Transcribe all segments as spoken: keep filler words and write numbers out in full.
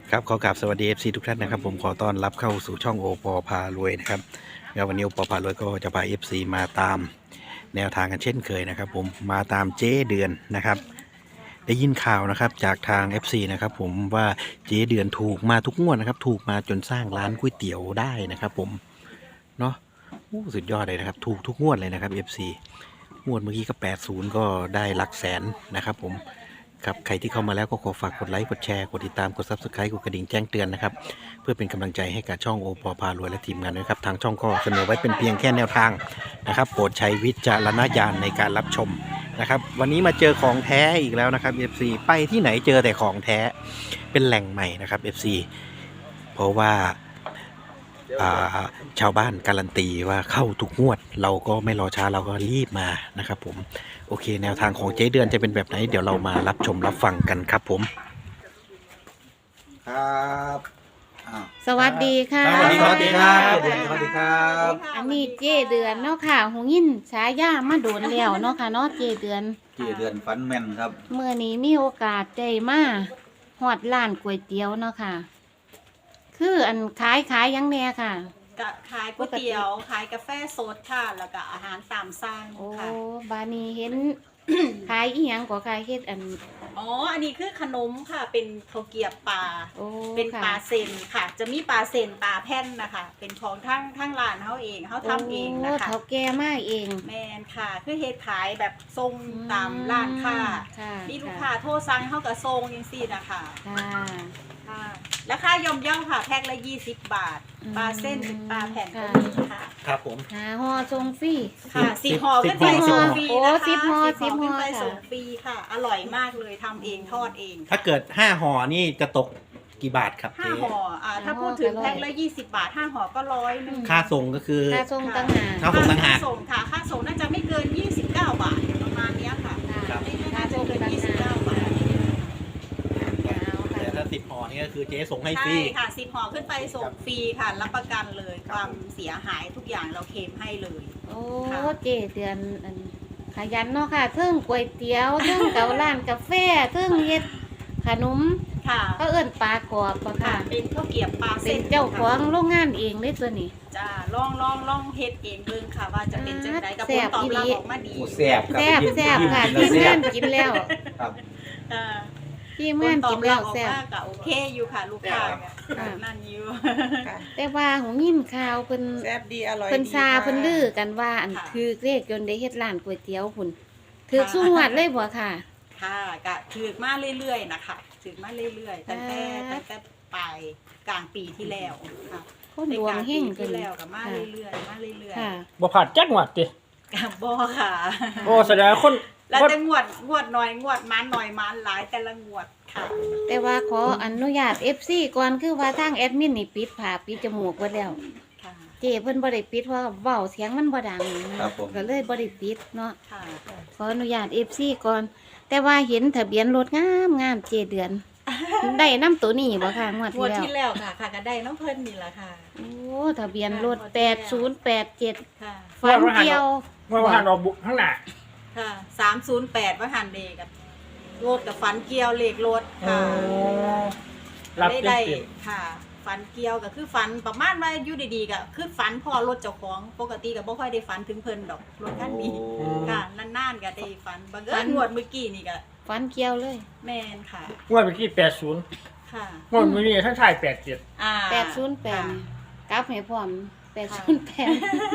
ครับขอกราบสวัสดี เอฟ ซี ทุกท่านนะครับผมขอต้อนรับเข้าสู่ช่องโอปอพารวยนะครับแล้ววันนี้โอปอพารวยก็จะพา เอฟ ซี มาตามแนวทางกันเช่นเคยนะครับผมมาตามเจ๊เดือนนะครับได้ยินข่าวนะครับจากทาง เอฟ ซี นะครับผมว่าเจ๊เดือนถูกมาทุกงวดนะครับถูกมาจนสร้างร้านก๋วยเตี๋ยวได้นะครับผมเนาะสุดยอดเลยนะครับถูกทุกงวดเลยนะครับ เอฟ ซี งวดเมื่อกี้ก็แปดสิบก็ได้หลักแสนนะครับผมครับใครที่เข้ามาแล้วก็ขอฝากกดไลค์กดแชร์กดติดตามกด ซับสไครบ์ กดกระดิ่งแจ้งเตือนนะครับเพื่อเป็นกำลังใจให้กับช่องโอปอพารวยและทีมงานนะครับทางช่องก็เสนอไว้เป็นเพียงแค่แนวทางนะครับโปรดใช้วิจารณญาณในการรับชมนะครับวันนี้มาเจอของแท้อีกแล้วนะครับ เอฟ ซี ไปที่ไหนเจอแต่ของแท้เป็นแหล่งใหม่นะครับ เอฟ ซี เพราะว่าชาวบ้านการันตีว่าเข้าทุกงวดเราก็ไม่รอช้าเราก็รีบมานะครับผมโอเคแนวทางของเจ๊เดือนจะเป็นแบบไหนเดี๋ยวเรามารับชมรับฟังกันครับผมครับสวัสดีค่ะสวัสดีครับสวัสดีครับสวัสดีครับอันนี้เจเดือนเนาะค่ะหูยินฉายามาโดนแล้วเนาะค่ะเนาะเจเดือนเจเดือนฟันแม่นครับเมื่อนี้มีโอกาสได้มาฮอดร้านก๋วยเตี๋ยวเนาะค่ะ คืออันขายขายยังแน่ค่ะก็ขายก๋วยเตี๋ยวขายกาแฟสดค่ะแล้วก็อาหารตามสั่งโอ้ค่ะบานี้เห็น ขายอีหยังก็ขายเฮ็ดอันอ๋ออันนี้คือขนมค่ะเป็นข้าวเกรียบปลาโอ้เป็นปลาค่ะเซนค่ะ จะมีปลาเซนปลาแผ่นนะคะเป็นของทั้งทั้งร้านเขาเองเขาทำเองนะโอ้คะเขาแก่มาเองแมนค่ะคือเฮ็ดขายแบบทรงตามร้านค้าค่ะมีลูกค้าโทรสั่งเขาก็ทรงยังซี่นะคะค่ะค่ะราคาย่อมเย่าค่ะแพ็คละยี่สิบบาทอืมปลาเส้นเป็นปลาแผ่นก็ค่ะมีค่ะครับผมหาห่อทรงฟรีค่ะสิบห่อขึ้นไปสิบห่ส่องฟรีโอ้นะคะสิบห่อสิบห่อขึ้นไปสิบห่อค่ะส่งฟรีค่ะ อร่อยมากเลยทำเองทอดเองถ้าเกิดห้าห่อนี่จะตกกี่บาทครับห้าเจ๊ห่ออ่าถ้าพูดถึงแพ็คละยี่สิบบาทห้าห่อก็ร้อยหนึงค่าส่งก็คือค่าทรงต่างหากค่าส่งต่างหากค่ส่งค่ะค่าส่งน่าจะไม่เกินยี่สิบเก้าบาทประมาณเนี้ยค่ะครับไม่ไม่น่าจะเกินยี่สิบเก้าบาทแต่ถ้าสิบห่อนี่ก็คือเจ๊ส่งให้ฟรีใช่ค่ะสิบห่อขึ้นไปส่งฟรีค่ะรับประกันเลยความเสียหายทุกอย่างเราเคลมให้เลยโอ้ค่ะเจเดือนอันขยันเนาะค่ะเทิงก๋วยเตี๋ยวเทิงเการ้านกาแฟเทิงเฮ็ดขนมค่ะก็เอิ้นปลากรอบปะค่ะค่ะเป็นข้าวเกรียบปลาเป็เส้นนเจ้าของโรงงานเองเลยตัวนี้จ้าลองลองลองเฮ็ดเองเบิ่งค่ะว่าจะเป็นจังไดกับแซ่ผลบตอบอีหลีรับออกมาดีโอ้แซ่บครับแซ่บแซ่บค่ะยิ้ทีมมงานๆกินแล้วครับอ่าทีมผงาลนตอกิบนรัแล้บวออกแซ่บมาก็โอเคอยู่ค่ะลูกค้าค่ะนั่นอยู่แต่ว่าหูยินข่าวเพิ่นแซ่บดีอร่อยเพิ่นดีซาค่ะเพิ่นลือกันว่าอันค่ะคือเลขจนได้เฮ็ดร้านก๋วยเตี๋ยวพุ่นถือสู้หวัดเลยบ่ค่ะค่ะก็ถือมาเรื่อยๆนะคะถือมาเรื่อยๆตั้งแต่อ่าตั้งแต่ปลายกลางปีที่แล้วค่ะคนดวงเฮงในกลาปีเพิ่นที่แล้วก็มาค่ะเรื่อยๆมาเรื่อยค่ะบ่ผ่านจักหวัดติๆกับบ่ค่ะโอ้แสดงว่าคนแล้วคนจะงวดงวดน้อยงวดมันน้อยมันหลายแต่ละงวดค่ะแต่ว่าขออนุญาต เอฟ ซี ก่อนคือว่าทางแอดมินนี่ปิดผาปิดจมูกไว้แล้วค่ะเจเพิ่นบ่ได้ปิดเพราะว่าเว้าเสียงมันบ่ดังนะครับผมก็เลยบ่ได้ปิดเนาะค่ะขออนุญาต เอฟ ซี ก่อน แต่ว่าเห็นทะเบียนรถงามงามเจเดือน ได้นํตัวนี้บ่ค่ะงวดงที่วดแล้วที่แล้วค่ะค่ะก็ได้น้องเพิ่นนี่แหละค่ะโอ้ทะเบียนรถแปดศูนย์แปดเจ็ดค่ะฝันเกี่ยวว่าผ่านออกบุกข้างหน้าค่ะสามศูนย์แปดว่าหันเดกับรถกับฝันเกี่ยวเลขรถโอ้ค่ะรับได้เต็มได้เต็มค่ะฝันเกี่ยวก็คือฝันประมาณว่าอยู่ดีๆก็คือฝันพอรถเจ้าของปกติก็บ่ค่อยได้ฝันถึงเพิ่นดอกรถคันนี้โอ้ค่ะนานๆก็ได้ฝันบังเอิญงวดเมื่อกี้นี่ก็ฝันเกี่ยวเลยแม่นค่ะงวดเมื่อกี้แปดสิบค่ะงวดเมื่อกี้ท่านชายแปดสิบเจ็ดอ่าแปดศูนย์แปดค่ะนี่กลับให้พร้อมแปดศูนย์แปด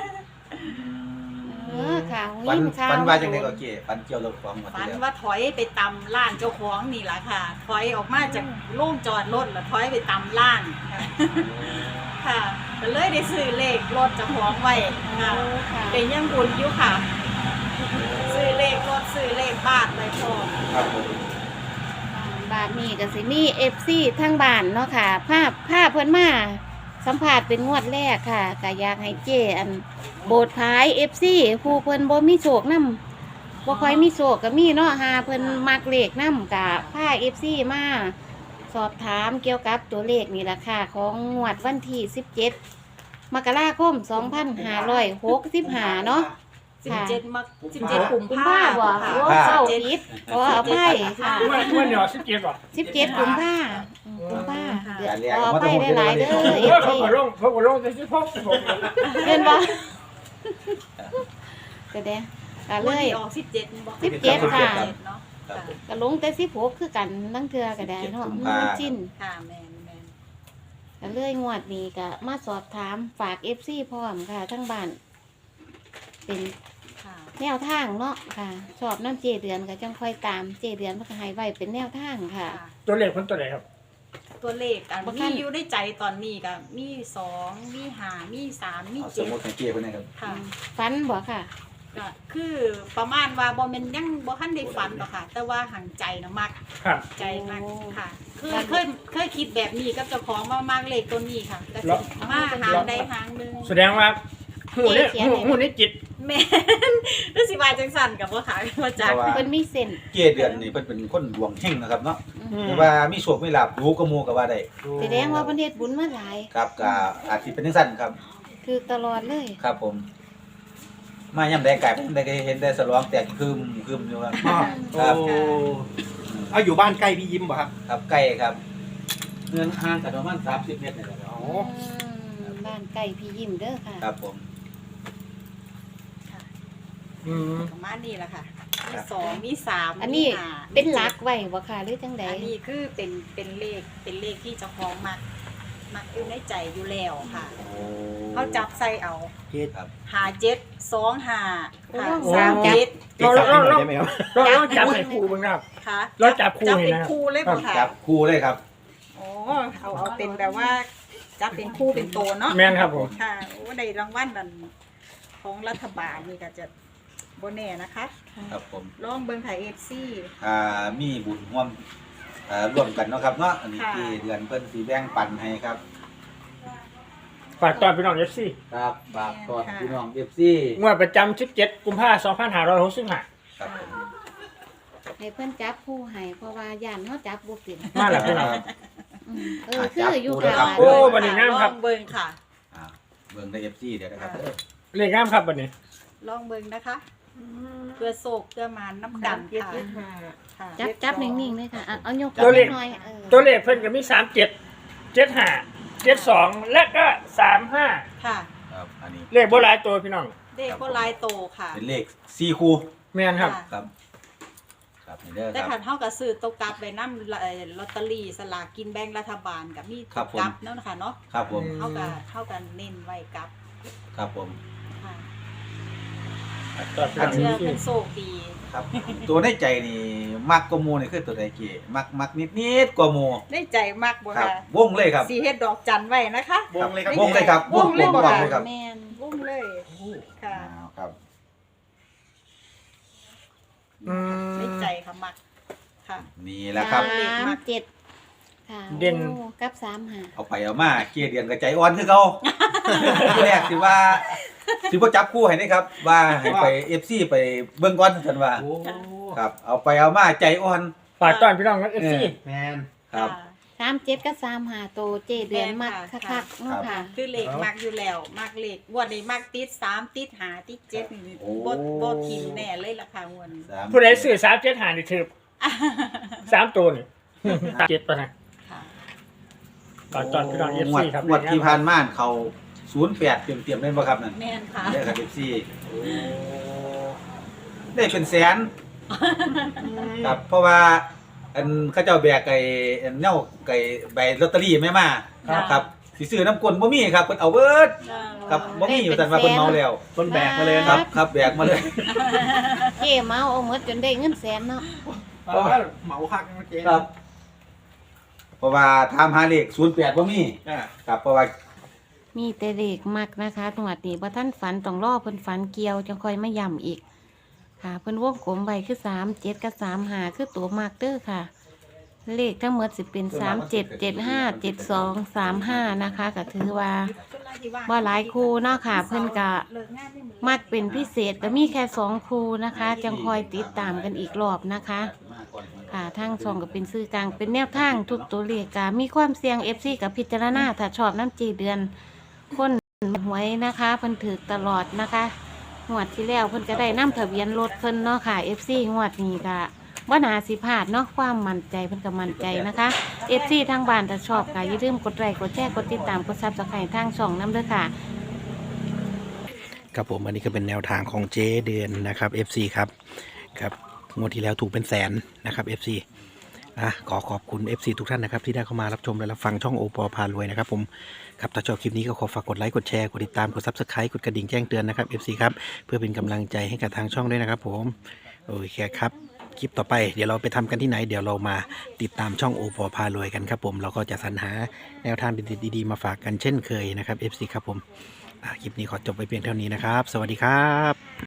เออค่ะหูฟันยินข่าวฟันว่าจังไดก็เก๋ฟันเกี่ยวรถของหมดฝันแล้วว่าถอยไปตำร้านเจ้าของนี่แหละค่ะ ถอยออกมาจากโล่งจอดรถแล้วถอยไปตำร้านค่ะค่ะก็เลยได้ซื้อเลขรถเจ้าของไว้ค่ะโอ้ค่ะเป็นยังบุญอยู่ค่ะ ซื้อเลขรถซื้อเลขบ้านไว้พร้อมครับผมบาทนี้ก็สิมีเอฟซีทั้งบ้านเนาะค่ะ ภาพภาพเพิ่นมาสัมภาษณ์เป็นงวดแรกค่ะก็อยากให้เจอันโบสถ์พายเอฟซีผู้เพิ่นบ่มีโชคนำบ่ค่อยมีโชคก็มีเนาะหาเพิ่นมักเลขนำก็พา เอฟ ซี มาสอบถามเกี่ยวกับตัวเลขนี่ล่ะค่ะ ของงวดวันที่สิบเจ็ดมกราคมสองพันห้าร้อยหกสิบห้าเนาะสิบเจ็ดมักสิบเจ็ดกุมกุมภาภาพันธ์บ่ค่ะโอ้เศร้าผิดขออภัยค่ะงวดงวดเดียวสิบเจ็ดบ่สิบเจ็ดกุมภากุมภาค่ะเดือนการเรียนขอมาไปต้องหลายๆเด้อโอ้ยเขาก็ลงเขาก็ลงแต่สิบหกสิบหกเห็นบ่ก็เด้ก็เลวันยที่ออกสิบเจ็ดบอกสิบเจ็ดค่ะเนาะครับค่ะก็ลงแต่สิบหกคือกันตั้งเทื่อก็ได้เนาะมันจิ้นค่ะแมนแมนก็เลยงวดนี้ก็มาสอบถามฝาก เอฟ ซี พร้อมค่ะ ทั้งบ้าน เป็นค่ะแนวทางเนาะค่ะชอบน้ำเจเดือนก็จังค่อยตามเจเดือนมันก็ให้ไว้เป็นแนวทางค่ะค่ะตัวเลขคนตัวไหนครับตัวเลขอันบ่ทัมีนอยู่ในใจตอนนี้ก็มีสองมีห้ามีสามมีเอาสเจ็มดมติของเกียร์คนนี้ครับค่ะฟันบ่ค่ะก็คือประมาณว่าบ่แม่นยังบ่ทันได้ฝันหรอกค่ะ แต่ว่าหังใจนะมักครับใจมากโอ้ค่ะคือเคยเคยคิดแบบนี้กับเจ้าของมามากเลขตัวนี้ค่ะก็สิมาหางใดหางหนึงแสดงว่าหูเนี่ยหูหูนี่จิตแม่นรู้สิว่าจังสั่นกับบ่ค่ะมาจากเพราะว่าเพิ่นมีเส้นเกียร์เดือนนี่เพิ่นเป็นคนดวงเฮงนะครับเนาะอืมแต่ว่ามีโชคมีลาภรู้ก็มูก็ว่าได้แสดงว่าเพิ่นเฮ็ดบุญมาหลายครับก็อาจสิเป็นจังซั่นครับคือตลอดเลยครับผม มาย่ำได้ไก่ผมได้เห็นได้สลองแต่คืมคืมอยู่ครับอ๋อครับโอ้เอาอยู่บ้านใกล้พี่ยิ้มป่ะครับครับใกล้ครับเงินห่างกันประมาณสามสิบเมตรนี่แหละครับโอ้อืมบ้านไก่พี่ยิ้มเด้อค่ะครับผมอืมประมาณนี้แหละค่ะมีสองมีสามอันนี้มีห้าเป็นหลักไว้บ่ค่ะหรือจังใดอันนี้คือเป็นเป็นเลขเป็นเลขที่เจ้าของมักมักอยู่ในใจอยู่แล้วค่ะโอ้เขาจับใส่เอาเฮ็ดครับหาเจ็ดสองหาค่ะโอ้สามเจ็ดเก็บสับให้หน่อยได้ไหมครับเราเราจับให้ครูบ้างนะครับค่ะแล้วจับคู่จับให้เป็นนะครับคู่เลยบ่ค่ะจับคู่เลยครับโอ้เอาเอาเป็นแบบว่าจับเป็นคู่เป็นโตเนาะแม่นครับผมค่ะโอ้ในรางวัลนั่นของรัฐบาลนี่ก็จะโบแน่นะคะครับผมลองเบิ่งค่ะเอฟซีอ่ามีบุญร่วมอ่าร่วมกันเนาะครับเนาะอันนี้ค่ะที่เดือนเพิ่นสีแบ่งปันให้ครับฝากตอนพี่น้องเอฟซีครับฝากตอนพี่น้องเอฟซีงวดประจำสิบเจ็ดกุมภาพันธ์สองพันห้าร้อยหกสิบห้าครับผมให้เพิ่นจับผู้ให้เพราะว่าย่านเฮาจับบ่เป็นมาแล้วพี่น้องอืมเออคืออยู่จัค่ะบโอ้คู่บัดนี้งามครับลองเบิ่งค่ะอ่าเบิ่งได้เอฟซีเดี๋ยวนะครับเลขงามครับบัดนี้ลองเบิ่งนะคะ เพื่อโศกเพื่อมานน้ำกันค่ะค่ะจับจับนิ่งๆเลยค่ะอ่ะเอายกตัวเลขหน่อยเออตัวเลขเพิ่นก็มีสามเจ็ดเจ็ดห้าเจ็ดสองและก็สามห้าค่ะครับอันนี้เลขโบราณตัวพี่น้องเลขก็ลายโตค่ะเป็นเลขสี่คู่แม่นครับค่ะครับ ครับนี่เด้อแต่คขัรันบเท่ากับซื้อตกกลับไปน้ำเอ่อลอตเตอรี่สลากกินแบ่งรัฐบาลกับมีครับผมกลับเนาะนะคะเนาะครับผมอืมเท่ากับเท่ากันเน้นไว้กลับครับผมค่ะตอนพี่น้องเชื่อเอฟซีเป็นโชคดีครับ ตัวในใจนี่มักกว่าหมูนี่คือตัวใดเก๋มักมักนิดนิดๆกว่าหมูได้ใจมากบ่ครับค่ะวงเลยครับสีเฮ็ดดอกจันไว้นะคะวงเลยครับวงเลยครับวงเลยวงบ่วงค่ะเลยครับแม่นวงเลยค่ะอ้าวครับอืมได้ใจค่ะมักค่ะนี่แหละครับเลขสามมากเจ็ดค่ะเด่นโอ้กับสามห้าเอาไปเอามาเกียร์เดียนกับใจอ่อนคือเขาที่แรกสิว่าสิว่าจับคู่ให้ได้ครับ ว่าให้ไปเอฟซีไปเบิ่งก่อนกันว่าโอ้ครับ เอาไปเอามาใจอ่อนฝากตอนพี่น้องเอฟซีแมนครับค่ะสามเจ็ดกับสามห้าโตเจเดือนมักแม่นค่ะคักๆเนาะค่ะคือเลขมักอยู่แล้วมักเลขงวันนี้มักติดสามติดหาติดเจ็ดนี่โอ้บ่บ่ทิมแน่เลยราคางวดนี้สามผู้ใดซื้อสามเจ็ดหานี่ถือสามตัวนี่เจ็ดปะนะค่ะฝากตอนพี่น้องเอฟงวดซีครับงวดที่ผ่านมาเขาศูนย์แปดเตรียมเตรียมๆได้บ่ครับนั่นแม่นค่ะได้กับเอฟซีได้เป็นแสน ครับ เพราะว่าอันเขาเจ้าแบกไก่อันเน่าไก่ใบลอตเตอรี่ไม่มาครับครับสิซื้อน้ำกลบ่มีครับเพิ่นเอาเบิดครับบ่มีอยู่แต่ว่าเพิ่นเมาแล้วต้นแบกมาเลยคครัรับบ ครับแบกมาเลยเจเมาเอาหมดจนได้เงินแสนเนาะเพราะว่าเหมาคักเมื่อกี้ครับ เพราะว่าถามหาเลขศูนย์แปดบ่มีอ่าครับเพราะว่ามีแต่เลขมักนะคะตรงวัดนี้บ่ท่านฝันต้องรอเพิ่นฝันเกี่ยวจังค่อยมาย่ำอีก ค่ะเพิ่นวงกลมไว้คือสามเจ็ดกับสามห้าคือตัวมักเด้อค่ะ เลขทั้งหมดสิเป็นสามเจ็ดเจ็ดห้าเจ็ดสองสามห้านะคะก็ถือว่าบ่หลายคู่เนาะค่ะ เพิ่นก็มักเป็นพิเศษก็มีแค่สองคู่นะคะ จังคอยติดตามกันอีกรอบนะคะ ค่ะทางช่องก็เป็นสื่อกลางเป็นแนวทางทุกตัวเลขก็มีความเสี่ยง เอฟ ซี กับพิจารณาถ้าชอบน้ำจีเดือนคนหวยนะคะเพิ่นถือตลอดนะคะงวดที่แล้วเพิ่นก็ได้น้ำทะเบียนรถเพิ่นเนาะค่ะ เอฟ ซี งวดนี้ก็ว่านาสิพลาดเนาะความมั่นใจเพิ่นก็มั่นใจนะคะ เอฟ ซี ทางบ้านถ้าชอบก็อย่าลืมกดไลค์กดแชร์กดติดตามกด ซับสไครบ์ ทางช่องนำเด้อค่ะครับผมอันนี้ก็เป็นแนวทางของเจ๊เดือนนะครับ เอฟ ซี ครับครับงวดที่แล้วถูกเป็นแสนนะครับ เอฟ ซี อ่ะขอขอบคุณ เอฟ ซี ทุกท่านนะครับที่ได้เข้ามารับชมและรับฟังช่องโอปอพารวยนะครับผมครับถ้าชอบคลิปนี้ก็ขอฝากกดไลค์กดแชร์กดติดตามกด ซับสไครบ์ กดกระดิ่งแจ้งเตือนนะครับ เอฟ ซี ครับเพื่อเป็นกำลังใจให้กับทางช่องด้วยนะครับผมโอเคครับคลิปต่อไปเดี๋ยวเราไปทำกันที่ไหนเดี๋ยวเรามาติดตามช่องโอปอพารวยกันครับผมเราก็จะสรรหาแนวทางดีๆมาฝากกันเช่นเคยนะครับ เอฟ ซี ครับผมอ่ะคลิปนี้ขอจบไปเพียงเท่านี้นะครับ สวัสดีครับ